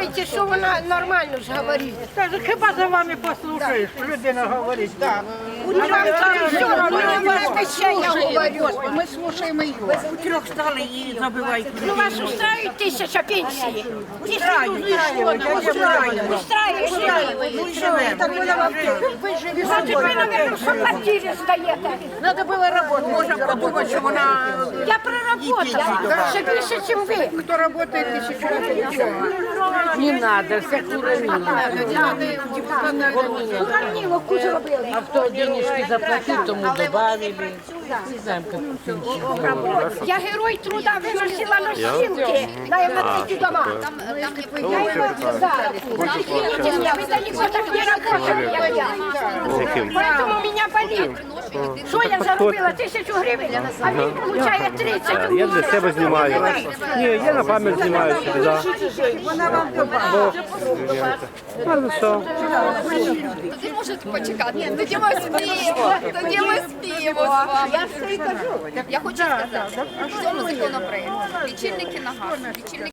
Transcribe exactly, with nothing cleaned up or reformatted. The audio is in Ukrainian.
думаєте, що вона нормально ж говорить? Каже, хіба за вами послухаєш, людина говорить. Так. Ну, вам це все одно, не ще я говорю. Ми слухаємо її. У трьох стали її забивають. Ну, вас устраивает тисяча пенсії? Ну, живемо. Ви живі. Значить, ви, наверное, що квартирі здаєте. Треба було роботу. Можна подумати, що вона... Я проработала, ще більше, ніж ви. Хто працює тисячу разів нічого. Не надо, все кураміло. Корміловку зробили. А хто денежки заплатив, тому добавили. Не знаємо, як пенсію. Я герой труда, виносила носилки на евакуацию дома. Я его, да, извините меня, вы далеко так не работали, как я. Поэтому меня болит. Что я заробила? Тысячу гривен, а він получає тридцять. Я для себе знімаю. Ні, я на пам'ять знімаю собі, так. Вона вам добавила. Ну що? Тоді можете почекати. Ні, тоді ми спіємо. Тоді ми спіємо з вами. Я все і кажу. Я хочу сказати, в цьому законопроекті лічильники на газ, лічильники